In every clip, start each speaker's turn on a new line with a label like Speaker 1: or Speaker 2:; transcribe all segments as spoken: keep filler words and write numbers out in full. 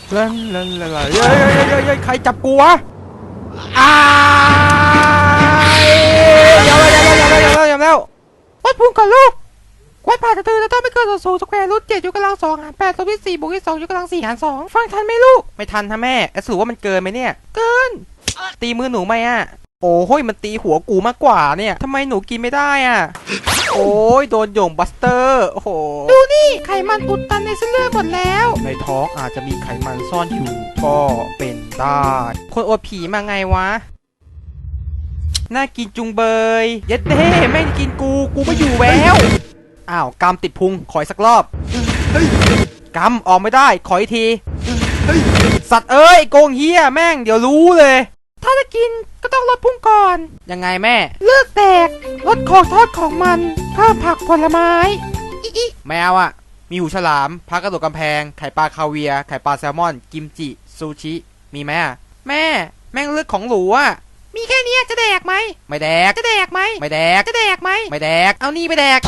Speaker 1: ลันลันลันเฮ้ยเฮ้ยเฮ้ยเฮ้ยใครจับกูวะอ้ายยอมแล้วยอมแล้วยอมแล้วยอมแล้ววัดพุ่งก่อนลูกวัดผ่านจะตื่นแล้วต้องไม่เกินส่วนสูงสแควร์รูทเจ็ดยกกำลังสองหารแปดลบที่สี่บวกที่สองยกกำลังสี่หารสองฟังทันไหมลูกไม่ทันฮะแม่สรุปว่ามันเกินไหมเนี่ยเกินตีมือหนูไหมอ่ะโอ้โหมันตีหัวกูมากกว่าเนี่ยทำไมหนูกินไม่ได้อ่ะโอ้ยโดนโยงบัสเตอร์โอ้โหดูนี่ไขมันอุดตันในเส้นเลือดหมดแล้วในท้องอาจจะมีไขมันซ่อนอยู่ก็เป็นได้คนอวดผีมาไงวะน่ากินจุงเบยเย็ดเด้ไม่กินกูกูไม่อยู่แล้วอ้าวกำติดพุงขออีกสักรอบกำออกไม่ได้ขออีกทีสัตว์เอ้ยโกงเฮียแม่งเดี๋ยวรู้เลยถ้าจะกินก็ต้องลดพุงก่อนยังไงแม่เลิกแตกลดของทอดของมันเพิ่มผักผลไม้อิอิแมวอ่ะมีหูฉลามพากระโดดกำแพงไข่ปลาคาเวียไข่ปลาแซลมอนกิมจิซูชิมีไหมอ่ะแม่แม่งเลือกของหรูอ่ะมีแค่นี้จะแดกไหมไม่แดกจะแดกไหมไม่แดกจะแดกไหมไม่แดกเอานี่ไปแดก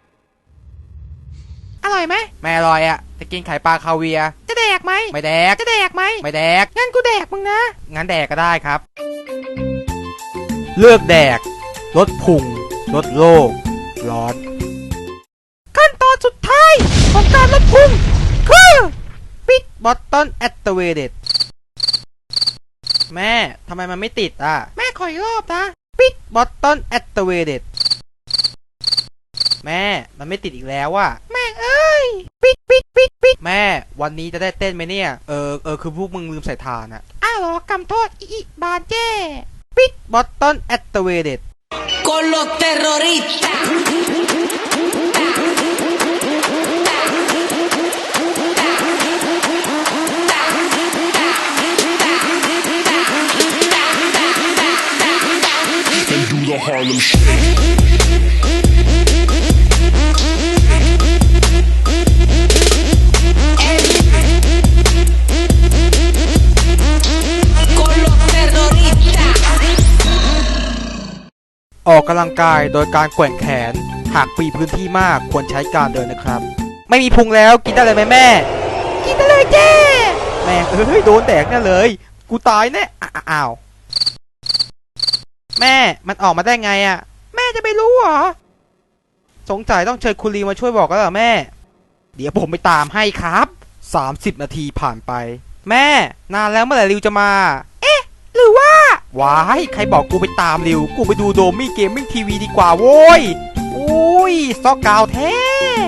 Speaker 1: อร่อยไหมไม่อร่อยอ่ะจะกินไข่ปลาคาเวียจะแดกไหมไม่แดกจะแดกไหมไม่แดกงั้นกูแดกมึงนะงั้นแดกก็ได้ครับเลือกแดกลดพุงลดโลกร้อนขั้นตอนสุดท้ายของการลดพุงคือปิดบอตตอนแอคทีเวเต็ดแม่ทำไมมันไม่ติดอ่ะแม่ขออีกรอบนะปิดบอตตอนแอคทีเวเต็ดแม่มันไม่ติดอีกแล้วอ่ะแม่เอ้ยปิดปิดปิดปิดแม่วันนี้จะได้เต้นไหมเนี่ยเออเออคือพวกมึงลืมใส่ทานอ่ะอ้าวเหรอกำโทษอีบาเจ้ปิดบอตตอนแอคทีเวเต็ด
Speaker 2: con los terroristas
Speaker 3: and do the Harlem Shake.
Speaker 2: con los terroristas
Speaker 1: ออกกำลังกายโดยการแกว่งแขนหากมีพื้นที่มากควรใช้การเดินนะครับไม่มีพุงแล้วกินได้เลยไหมแม่กินได้เลยเจ้แม่เอ้ยโดนแดกแน่เลยกูตายแน่อ้าวแม่มันออกมาได้ไงอ่ะแม่จะไม่รู้เหรอสงสัยต้องเชิญคุณลีมาช่วยบอกแล้วเหรอแม่เดี๋ยวผมไปตามให้ครับสามสิบนาทีผ่านไปแม่นานแล้วเมื่อไหร่ริวจะมาเอ๊ะหรือว่าว้ายใครบอกกูไปตามริวกูไปดูโดมี่เกมมิ่งทีวีดีกว่าโว้ยอุ้ยซอกกาวแท้